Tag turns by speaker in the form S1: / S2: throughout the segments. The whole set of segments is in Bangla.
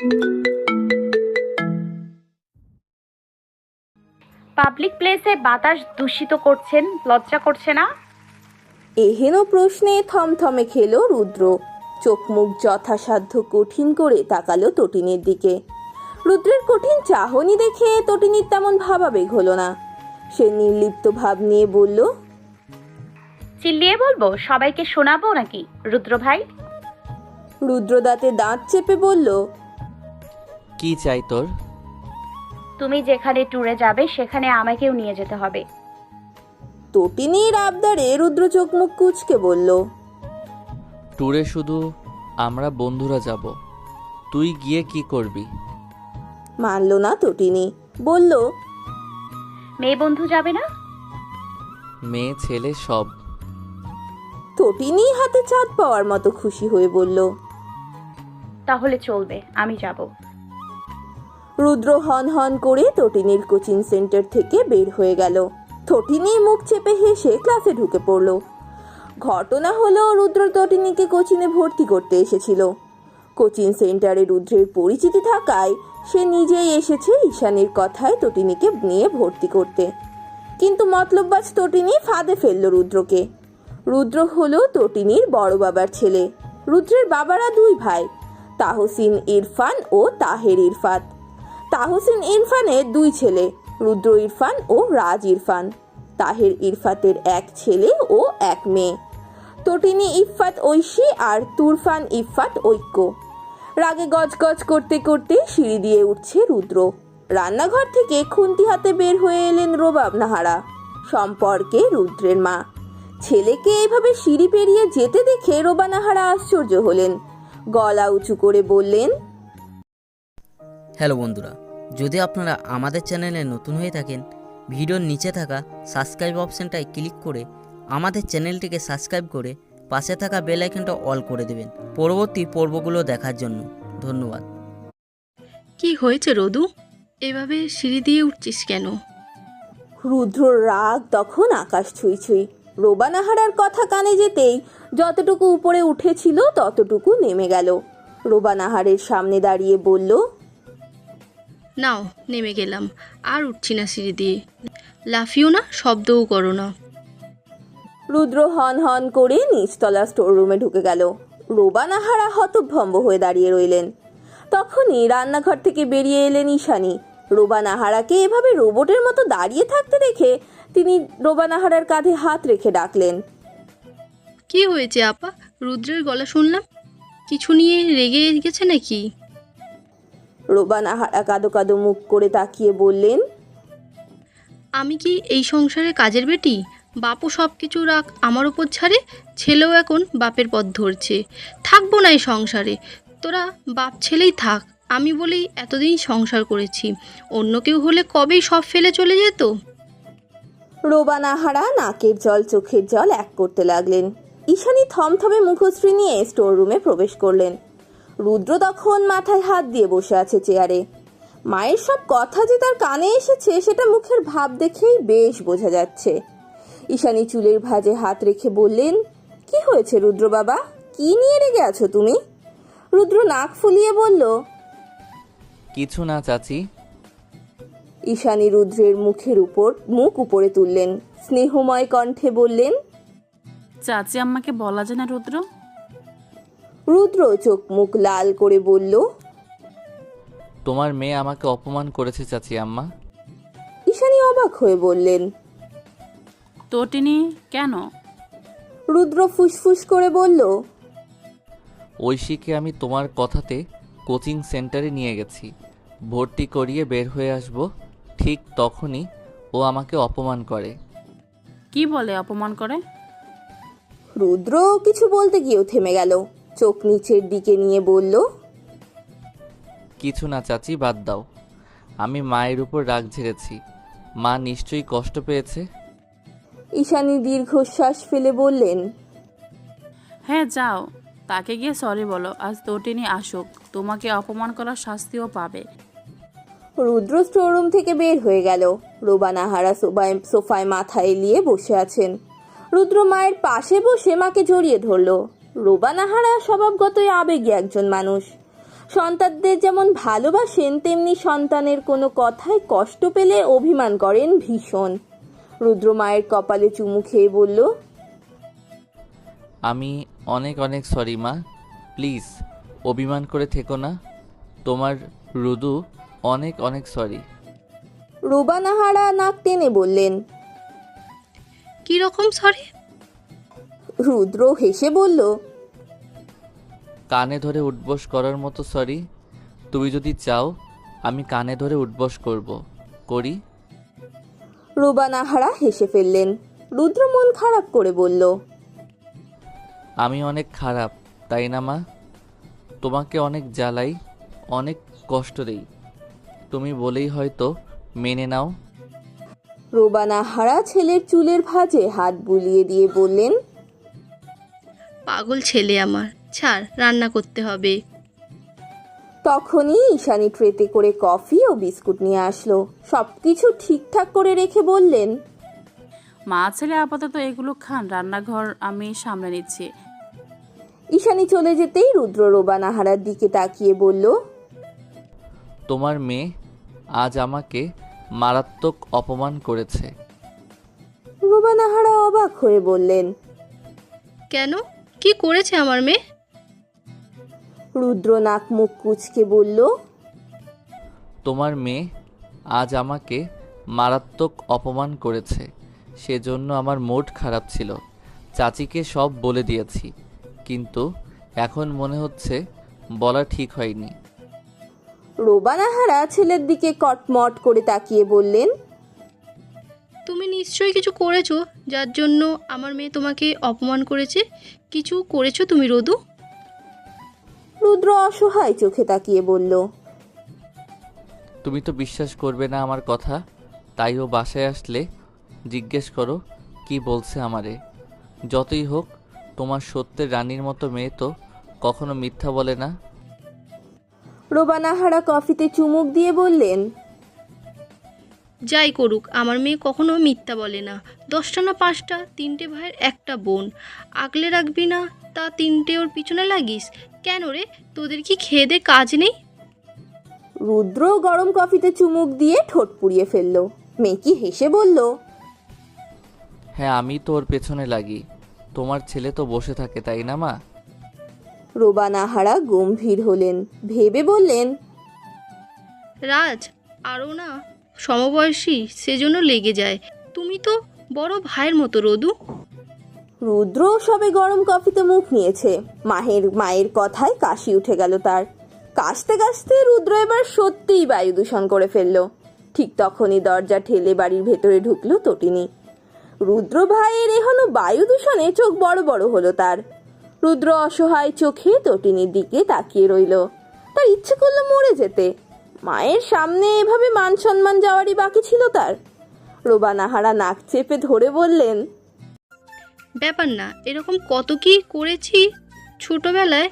S1: পাবলিক প্লেসে বাতাস দূষিত করছেন, লজ্জা করছে না?
S2: এহেন প্রশ্নে থমথমে খেলো রুদ্র। চোখ মুখ যথাসাধ্য কঠিন করে তাকালো তটিনীর দিকে। রুদ্রের কঠিন চাহনি দেখে তটিনীর তেমন ভাবাবেগ হলো না। সে নির্লিপ্ত ভাব নিয়ে বলল,
S1: চিল্লিয়ে বলবো, সবাইকে শোনাবো নাকি রুদ্র ভাই?
S2: রুদ্র দাঁতে দাঁত চেপে বলল,
S3: কি চাই তোর?
S1: তুমি যেখানে ট্যুরে যাবে সেখানে আমাকেও নিয়ে যেতে হবে।
S2: তটিনীর আবদারে রুদ্র চোখ মুখ কুঁচকে বলল,
S3: ট্যুরে শুধু আমরা বন্ধুরা যাব, তুই গিয়ে কি করবি?
S2: মানল না তটিনী, বলল,
S1: মেয়ে বন্ধু যাবে না?
S3: মেয়ে ছেলে সব।
S2: তটিনী হাতে চাঁদ পাওয়ার মতো খুশি হয়ে বলল,
S1: তাহলে চলবে, আমি যাব।
S2: রুদ্র হন হন করে তটিনীর কোচিং সেন্টার থেকে বের হয়ে গেল। তটিনী মুখ চেপে হেসে ক্লাসে ঢুকে পড়ল। ঘটনা হলো, রুদ্র তটিনীকে কোচিংয়ে ভর্তি করতে এসেছিল। কোচিং সেন্টারে রুদ্রের পরিচিতি থাকায় সে নিজেই এসেছে ঈশানীর কথায় তটিনীকে নিয়ে ভর্তি করতে। কিন্তু মতলববাজ তটিনী ফাঁদে ফেলল রুদ্রকে। রুদ্র হলো তটিনীর বড় বাবার ছেলে। রুদ্রের বাবারা দুই ভাই, তাহসিন ইরফান ও তাহের ইরফাত। তাহসিন ইরফানের দুই ছেলে, রুদ্র ইরফান ও রাজ ইরফান। তাহের ইরফাতের এক ছেলে ও এক মেয়ে, তটিনী ইফফাত ঐশী আর তুরফান ইফফাত ঐক্য। রাগে গজগজ করতে করতে সিঁড়ি দিয়ে উঠছে রুদ্র। রান্নাঘর থেকে খুন্তি হাতে বের হয়ে এলেন রোবাব নাহারা, সম্পর্কে রুদ্রের মা। ছেলেকে এভাবে সিঁড়ি পেরিয়ে যেতে দেখে রোবা নাহারা আশ্চর্য হলেন। গলা উঁচু করে বললেন,
S4: হ্যালো বন্ধুরা, যদি আপনারা আমাদের চ্যানেলে নতুন হয়ে থাকেন, ভিডিওর নিচে থাকা সাবস্ক্রাইব অপশানটায় ক্লিক করে আমাদের চ্যানেলটিকে সাবস্ক্রাইব করে পাশে থাকা বেল আইকনটা অল করে দেবেন পরবর্তী পর্বগুলো দেখার জন্য। ধন্যবাদ।
S5: কি হয়েছে রদু, এভাবে সিঁড়ি দিয়ে উঠছিস কেন?
S2: রুদ্রর রাগ তখন আকাশ ছুঁই ছুঁই। রোবা নাহারার কথা কানে যেতেই যতটুকু উপরে উঠেছিল ততটুকু নেমে গেল। রোবা নাহারের সামনে দাঁড়িয়ে বলল,
S5: নাও নেমে গেলাম, আর উঠছি না সিঁড়ি দিয়ে। লাফিও না, শব্দও করো না।
S2: রুদ্র হন হন করে নিচতলা স্টোর রুমে ঢুকে গেল। রোবা নাহারা হতভম্ব হয়ে দাঁড়িয়ে রইলেন। তখনই রান্নাঘর থেকে বেরিয়ে এলেন ঈশানী। রোবা নাহারাকে এভাবে রোবটের মতো দাঁড়িয়ে থাকতে দেখে তিনি রোবা নাহারার কাঁধে হাত রেখে ডাকলেন,
S5: কি হয়েছে আপা? রুদ্রের গলা শুনলাম, কিছু নিয়ে রেগে গেছে নাকি?
S2: রোবা নাহারা কাদো কাদো মুখ করে তাকিয়ে বললেন,
S5: আমি কি এই সংসারে কাজের বেটি? বাপও সব কিছু রাগ আমার ওপর ছাড়ে, ছেলেও এখন বাপের পথ ধরছে। থাকবো না এই সংসারে, তোরা বাপ ছেলেই থাক। আমি বলেই এতদিন সংসার করেছি, অন্য কেউ হলে কবেই সব ফেলে চলে যেত।
S2: রোবা নাহারা নাকের জল চোখের জল এক করতে লাগলেন। ঈশানী থমথমে মুখশ্রী নিয়ে স্টোর রুমে প্রবেশ করলেন। রুদ্র তখন মাথায় হাত দিয়ে বসে আছে চেয়ারে। মায়ের সব কথা যে তার কানে এসেছে সেটা মুখের ভাব দেখেই বেশ বোঝা যাচ্ছে। ঈশানী চুলের ভাঁজে হাত রেখে বললেন, কি হয়েছে রুদ্র বাবা, কি নিয়ে রেগে আছো তুমি? রুদ্র নাক ফুলিয়ে বলল,
S3: কিছু না চাচি।
S2: ঈশানী রুদ্রের মুখ উপরে তুললেন, স্নেহময় কণ্ঠে বললেন,
S6: চাচি আম্মাকে বলা যায় না রুদ্র?
S2: রুদ্র চোখ মুখ লাল করে বলল,
S3: তোমার মেয়ে আমাকে অপমান করেছে চাচি আম্মা।
S2: ঈশানী অবাক হয়ে বললেন,
S6: তটিনী কেন?
S2: রুদ্র ফুসফুস করে বলল,
S3: ঐশীকে আমি তোমার কথাতে কোচিং সেন্টারে নিয়ে গেছি, ভর্তি করিয়ে বের হয়ে আসব, ঠিক তখনই ও আমাকে অপমান করে।
S6: কি বলে অপমান করে?
S2: রুদ্র কিছু বলতে গিয়েও থেমে গেল। চোখ নিচের দিকে নিয়ে বলল,
S3: কিছু না চাচি, বাদ দাও। আমি মায়ের উপর রাগ ঝেড়েছি, মা নিশ্চয়ই কষ্ট পেয়েছে।
S2: ঈশানী দীর্ঘশ্বাস ফেলে বললেন,
S6: হ্যাঁ যাও, তাকে গিয়ে সরি বলো, আজ তটিনী আসুক, তোমাকে অপমান করার শাস্তিও পাবে।
S2: রুদ্র স্টোররুম থেকে বের হয়ে গেল। রোবা নাহারা সোফায় মাথা এলিয়ে বসে আছেন। রুদ্র মায়ের পাশে বসে মাকে জড়িয়ে ধরল। রোবা নাহারা স্বভাবগতই আবেগী একজন মানুষ। সন্তানদের যেমন ভালোবাসেন তেমনি সন্তানের কোনো কথায় কষ্ট পেলে অভিমান করেন ভীষণ। রুদ্র মায়ের কপালে চুমু খেয়ে বলল,
S3: আমি অনেক অনেক সরি মা, প্লিজ অভিমান করে থেকো না। তোমার রুদু অনেক অনেক সরি।
S2: রুবা নাহারা নাক টেনে বললেন।
S5: কি রকম সরি?
S2: রুদ্র হেসে বলল,
S3: কানে ধরে উঠবস করার মতো সরি। তুমি যদি চাও আমি কানে ধরে উঠবস করি।
S2: রুবা নাহারা হেসে ফেললেন। রুদ্র মন খারাপ করে বলল,
S3: আমি অনেক খারাপ তাই না মা? তোমাকে অনেক জ্বালাই, অনেক কষ্ট দেই, তুমি বলেই হয়তো মেনে নাও।
S2: রুবা নাহারা ছেলের চুলের ভাঁজে হাত বুলিয়ে দিয়ে বললেন,
S5: পাগল ছেলে আমার, ছাড়, রান্না করতে হবে।
S2: তখনই ঈশানী ট্রেতে করে কফি ও বিস্কুট নিয়ে আসলো। সবকিছু ঠিকঠাক করে রেখে বললেন,
S6: মা ছেলে আপাতত এগুলো খান, রান্নাঘর আমি সামলে নিচ্ছি।
S2: ঈশানী চলে যেতেই রুদ্র রুবা নাহারার দিকে তাকিয়ে বলল,
S3: তোমার মেয়ে আজ আমাকে মারাত্মক অপমান করেছে।
S2: রুবা নাহারা অবাক হয়ে বললেন,
S5: কেন, কি করেছে আমার মেয়ে?
S2: রুদ্র নাক মুখ কুঁচকে বলল,
S3: তোমার মেয়ে আজ আমাকে মারাত্মক অপমান করেছে, সেজন্য আমার মুড খারাপ ছিল। চাচিকে সব বলে দিয়েছি, কিন্তু এখন মনে হচ্ছে বলা ঠিক হয়নি।
S2: রুবা নাহারা ছেলের দিকে কটমট করে তাকিয়ে বললেন,
S5: তুমি নিশ্চয়ই কিছু করেছো যার জন্য আমার মেয়ে তোমাকে অপমান করেছে। কিছু করেছো তুমি রদু?
S2: রুদ্র অসহায় চোখে তাকিয়ে বলল,
S3: তুমি তো বিশ্বাস করবে না আমার কথা, তাই ও বাসায় আসলে জিজ্ঞেস করো কি বলছে আমারে। যতই হোক তোমার সত্যের রানীর মতো মেয়ে তো কখনো মিথ্যা বলে না।
S2: রুবা নাহারা কফিতে চুমুক দিয়ে বললেন,
S5: যাই করুক, আমার মেয়ে কখনো মিথ্যা বলে না। 10টা না 5টা, 3টে ভাইয়ের একটা বোন, আগলে রাখবি না তা 3টে ওর পিছনে লাগিস কেন রে? তোদের কি খেয়ে দে কাজ নেই?
S2: রুদ্র গরম কফিতে চুমুক দিয়ে ঠোঁট পুড়িয়ে ফেলল। মেকি হেসে বলল,
S3: হ্যাঁ আমি তো ওর পেছনে লাগি, তোমার ছেলে তো বসে থাকে তাই না মা?
S2: রুবা নাহারা গম্ভীর হলেন, ভেবে বললেন,
S5: রাজ আরও না সমবয়সী, সেজন্য লেগে যায়। তুমি তো বড় ভাইয়ের মতো রদু।
S2: রুদ্র সবে গরম কফিতে মুখ নিয়েছে, মায়ের কথায় কাশি উঠে গেল তার। কাশতে কাশতে রুদ্র এবার সত্যিই বায়ু দূষণ করে ফেলল। ঠিক তখনই দরজা ঠেলে বাড়ির ভেতরে ঢুকলো তটিনী। রুদ্র ভাইয়ের এখনো বায়ু দূষণে চোখ বড় বড় হলো তার। রুদ্র অসহায় চোখে তটিনীর দিকে তাকিয়ে রইল। তার ইচ্ছে করলো মরে যেতে। মায়ের সামনে এভাবে মান সম্মান যাওয়ারই বাকি ছিল তার। রুবা নাহারা নাক চেপে ধরে বললেন,
S5: ব্যাপার না, এরকম কত কি করেছি ছোটবেলায়।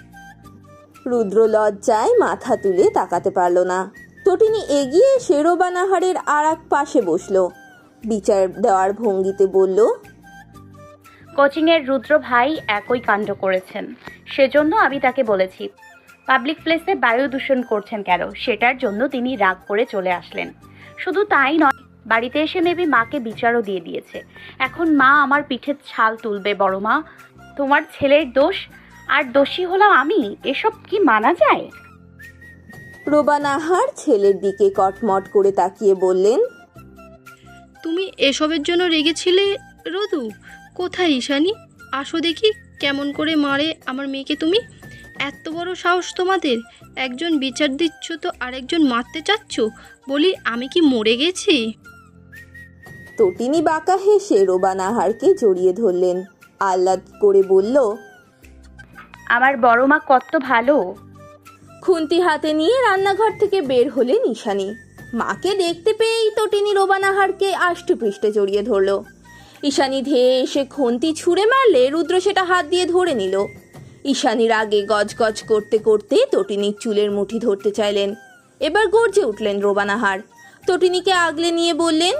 S2: রুদ্র লজ্জায় মাথা তুলে তাকাতে পারল না। তটিনী এগিয়ে এসে রুবা নাহারের আর এক পাশে বসলো। বিচার দেওয়ার ভঙ্গিতে বলল,
S1: কোচিংয়ের রুদ্র ভাই একই কাণ্ড করেছেন, সেজন্য আমি তাকে বলেছি পাবলিক প্লেসে বায়ু দূষণ করছেন কেন, সেটার জন্য তিনি রাগ করে চলে আসলেন। শুধু তাই নয়, বাড়িতে এসে মেবি মাকে বিচারও দিয়ে দিয়েছে। এখন মা আমার পিঠের ছাল তুলবে। বড় মা, তোমার ছেলের দোষ আর দোষী হলাম আমি, এসব কি মানা যায়?
S2: রুবা নাহার ছেলের দিকে কটমট করে তাকিয়ে বললেন,
S5: তুমি এসবের জন্য রেগেছিলে রদু? কোথায় ঈশানী? আসো দেখি কেমন করে মারে আমার মেয়েকে তুমি। এত বড় সাহস তোমাদের! একজন বিচার দিচ্ছ তো আরেকজন মারতে চাচ্ছ। বলি আমি কি মরে গেছি?
S2: তটিনী বাঁকা হেসে রুবা নাহারকে জড়িয়ে ধরলেন। আহ্লাদ করে বলল,
S1: আমার বড় মা কত ভালো।
S2: খুন্তি হাতে নিয়ে রান্নাঘর থেকে বের হলেন ঈশানী। মাকে দেখতে পেয়েই তটিনী রুবা নাহারকে আষ্টে পৃষ্ঠে জড়িয়ে ধরল। ঈশানী ধেয়ে এসে খুন্তি ছুঁড়ে মারলে রুদ্র সেটা হাত দিয়ে ধরে নিল। ঈশানীর আগে গজগজ করতে করতে তটিনীর চুলের মুঠি ধরতে চাইলেন। এবার গর্জে উঠলেন রুবা নাহার। তটিনীকে আগলে নিয়ে বললেন,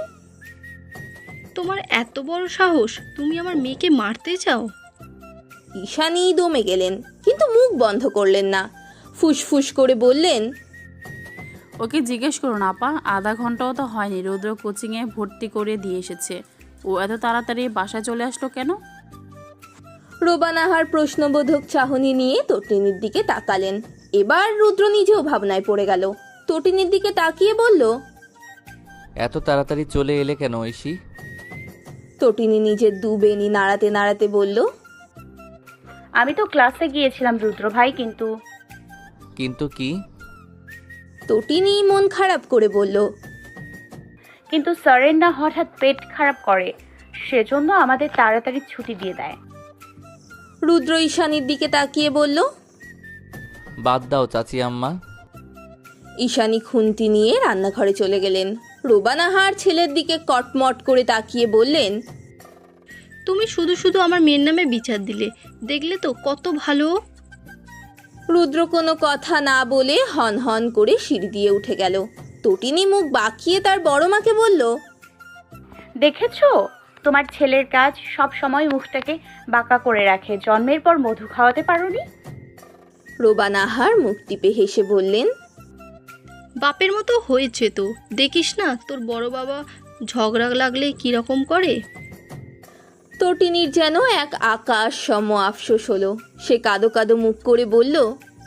S5: তোমার এত বড় সাহস, তুমি আমার মেয়েকে মারতে চাও?
S2: ঈশানী দমে গেলেন, কিন্তু মুখ বন্ধ করলেন না। ফুসফুস করে বললেন,
S6: ওকে জিজ্ঞেস করুন আপা, আধা ঘন্টাও তো হয়নি রুদ্র কোচিংয়ে ভর্তি করে দিয়ে এসেছে। ও এত তাড়াতাড়ি বাসায় চলে আসলো কেন?
S2: রোবানাহার প্রশ্নবোধক চাহনি নিয়ে তটিনীর দিকে তাকালেন। এবার রুদ্র নিজেও ভাবনায় পড়ে গেল। তটিনীর দিকে তাকিয়ে বলল,
S3: এত তাড়াতাড়ি চলে এলে কেন ঐশী?
S2: তটিনী নিজের দু বেনি নাড়াতে নাড়াতে বলল,
S1: আমি তো ক্লাসে গিয়েছিলাম রুদ্র ভাই, কিন্তু
S3: কিন্তু কি?
S2: তটিনী মন খারাপ করে বলল,
S1: কিন্তু স্যারের না হঠাৎ পেট খারাপ করে, সেজন্য আমাদের তাড়াতাড়ি ছুটি দিয়ে দেয়।
S2: রুদ্র ঈশানীর দিকে তাকিয়ে বলল।
S3: বাদ দাও চাচি আম্মা।
S2: ঈশানী খুন্তি নিয়ে রান্নাঘরে চলে গেলেন। রোবানাহার ছেলের দিকে কটমট করে তাকিয়ে বললেন,
S5: তুমি শুধু শুধু আমার মেয়ের নামে বিচার দিলে, দেখলে তো কত ভালো।
S2: রুদ্র কোনো কথা না বলে হন হন করে সিঁড়ি দিয়ে উঠে গেল। তটিনী মুখ বাঁকিয়ে তার বড় মাকে বলল,
S1: দেখেছো, তোমার ছেলের কাজ সব সময় মুখটাকে বাঁকা করে রাখে। জন্মের পর মধু খাওয়াতে পারোনি?
S2: রোবানাহার মুখ টিপে হেসে বললেন,
S5: বাপের মতো হয়েছে তো, দেখিস না তোর বড় বাবা ঝগড়া লাগলে কিরকম করে।
S2: তটিনীর যেন এক আকাশ সম আফসোস হলো। সে কাদো কাদো মুখ করে বলল,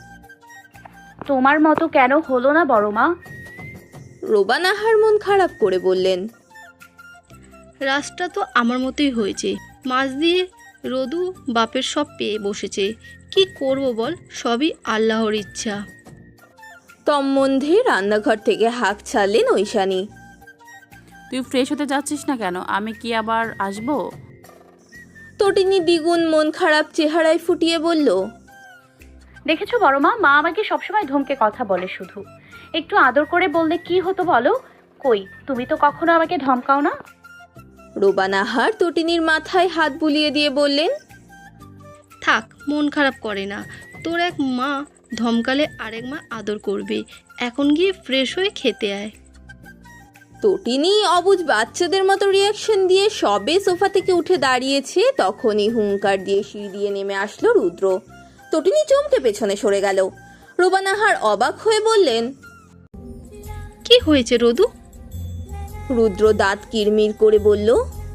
S1: তোমার মতো কেন হলো না বড় মা?
S2: রোবানাহার মন খারাপ করে বললেন,
S5: রাসটা তো আমার মতোই হয়েছে। মাছ দিয়ে রদু বাপের সব পেয়ে বসেছে। কি করব বল, সবই আল্লাহর ইচ্ছা।
S2: তন্মধ্যে রান্নাঘর থেকে হাঁক ছাড়লেন ঐশানী।
S6: তুই ফ্রেশ হতে যাচ্ছিস না কেন? আমি কি আবার আসবো?
S2: তটিনী দ্বিগুণ মন খারাপ চেহারায় ফুটিয়ে বলল,
S1: দেখেছো বড় মা, মা আমাকে সবসময় ধমকে কথা বলে, শুধু একটু আদর করে বললে কি হতো বলো? কই, তুমি তো কখনো আমাকে ধমকাও না।
S2: রোবানাহার তটিনীর মাথায় হাত বুলিয়ে দিয়ে বললেন,
S5: থাক, মন খারাপ করে না। তোর এক মা ধমকালে আরেক মা আদর করবে। এখন গিয়ে ফ্রেশ হয়ে খেতে আয়।
S2: তটিনী অবুঝ বাচ্চাদের মতো রিয়াকশন দিয়ে সবে সোফা থেকে উঠে দাঁড়িয়েছে, তখনই হুঙ্কার দিয়ে সিঁড়ি দিয়ে নেমে আসলো রুদ্র। তটিনী চমকে পেছনে সরে গেল। রোবানাহার অবাক হয়ে বললেন,
S5: কি হয়েছে রদু?
S2: রুদ্র দাঁত কিরমির করে বলল,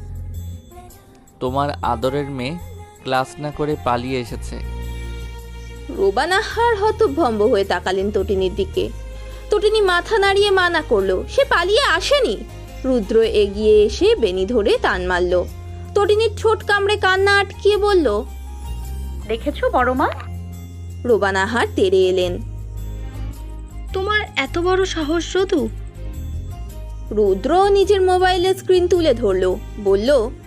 S3: তোমার আদরের মেয়ে ক্লাস না করে পালিয়ে এসেছে।
S2: রোবানাহার হতভম্ব হয়ে তাকালেন তটিনীর দিকে। তটিনী মাথা নাড়িয়ে মানা করলো, সে পালিয়ে আসেনি। রুদ্র এগিয়ে এসে বেনি ধরে টান মারল। তটিনীর ঠোঁট কামড়ে কান্না আটকিয়ে বলল,
S1: দেখেছো বড় মা?
S2: রোবানাহার তেড়ে এলেন।
S5: তোমার এত বড় সাহস রদু?
S2: রুদ্র নিজের মোবাইলের স্ক্রিন তুলে ধরল, বলল,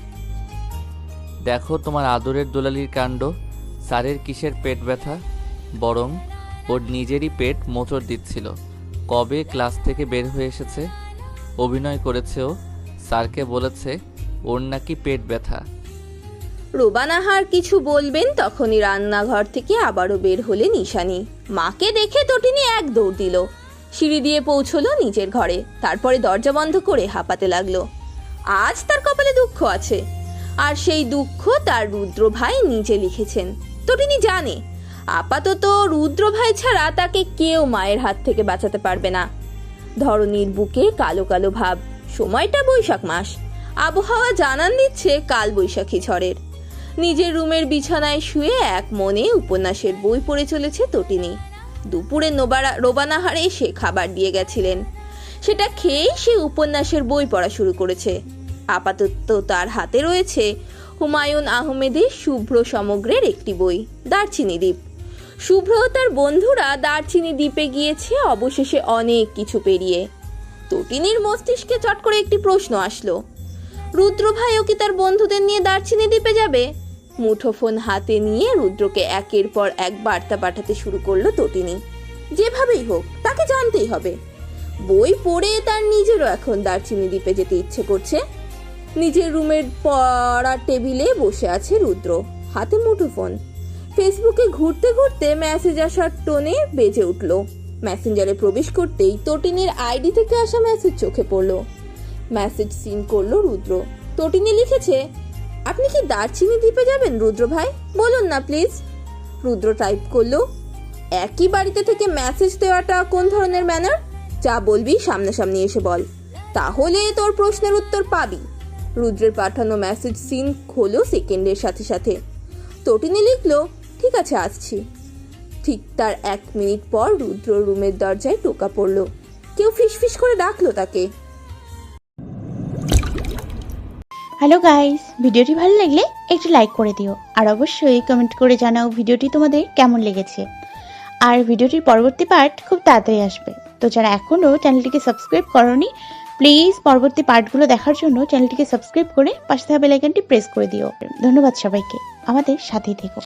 S3: দেখো তোমার আদরের দোলালির কাণ্ড। স্যারের কিসের পেট ব্যথা, বরং ওর নিজেরই পেট মোচড় দিচ্ছিল। কবে ক্লাস থেকে বের হয়ে এসেছে, অভিনয় করেছে ও, স্যারকে বলেছে ওর নাকি পেট ব্যথা।
S2: রোবানাহার কিছু বলবেন তখনই রান্নাঘর থেকে আবারও বের হলেন ঈশানী। মাকে দেখে তটিনী এক দৌড় দিল, সিঁড়ি দিয়ে পৌঁছলো নিজের ঘরে। তারপরে দরজা বন্ধ করে হাঁপাতে লাগলো। আজ তার কপালে দুঃখ আছে, আর সেই দুঃখ তার রুদ্র ভাই নিজে লিখেছেন। তটিনী জানে আপাতত রুদ্র ভাই ছাড়া তাকে কেউ মায়ের হাত থেকে বাঁচাতে পারবে না। ধরনীর বুকে কালো কালো ভাব। সময়টা বৈশাখ মাস, আবহাওয়া জানান দিচ্ছে কাল বৈশাখী ঝড়ের। নিজের রুমের বিছানায় শুয়ে এক মনে উপন্যাসের বই পড়ে চলেছে তটিনী। দুপুরে রোবানাহারে সে খাবার দিয়ে গেছিলেন, সেটা খেয়েই সে উপন্যাসের বই পড়া শুরু করেছে। আপাতত তার হাতে রয়েছে হুমায়ুন আহমেদের শুভ্র সমগ্রের একটি বই, দারচিনি দ্বীপ। শুভ্র ও তার বন্ধুরা দারচিনি দ্বীপে গিয়েছে অবশেষে অনেক কিছু পেরিয়ে। তটিনীর মস্তিষ্কে চট করে একটি প্রশ্ন আসলো, রুদ্র ভাইও কি তার বন্ধুদের নিয়ে দারচিনি দ্বীপে যাবে? মুঠোফোন হাতে নিয়ে রুদ্রকে একের পর এক বার্তা পাঠাতে শুরু করলো তটিনী। যেভাবেই হোক তাকে জানতেই হবে। বই পড়ে তার নিজেরও এখন দারচিনি দ্বীপে যেতে ইচ্ছে করছে। নিজের রুমের পড়ার টেবিলে বসে আছে রুদ্র, হাতে মুঠোফোন। ফেসবুকে ঘুরতে ঘুরতে মেসেজ আসার টোনে বেজে উঠল। মেসেঞ্জারে প্রবেশ করতেই তটিনীর আইডি থেকে আসা মেসেজ চোখে পড়লো। মেসেজ সিন করলো রুদ্র। তটিনী লিখেছে, আপনি কি দারচিনি দ্বীপে যাবেন রুদ্র ভাই? বলুন না প্লিজ। রুদ্র টাইপ করলো, একই বাড়িতে থেকে মেসেজ দেওয়াটা কোন ধরনের ম্যানার? যা বলবি সামনাসামনি এসে বল, তাহলে তোর প্রশ্নের উত্তর পাবি। রুদ্রের পাঠানো মেসেজ সিন হলো সেকেন্ডের সাথে সাথে। তটিনী লিখলো, ঠিক আছে আসছি। ঠিক তার 1 মিনিট পর রুদ্র রুমের দরজায় টোকা পড়লো। কেউ ফিসফিস করে ডাকলো তাকে।
S7: হ্যালো গাইস, ভিডিওটি ভালো লাগলে একটু লাইক করে দিও আর অবশ্যই কমেন্ট করে জানাও ভিডিওটি তোমাদের কেমন লেগেছে। আর ভিডিওটির পরবর্তী পার্ট খুব তাড়াতাড়ি আসবে, তো যারা এখনও চ্যানেলটিকে সাবস্ক্রাইব করোনি প্লিজ পরবর্তী পার্টগুলো দেখার জন্য চ্যানেলটিকে সাবস্ক্রাইব করে পাশে থাকা বেল আইকনটি প্রেস করে দিও। ধন্যবাদ সবাইকে, আমাদের সাথেই থেকো।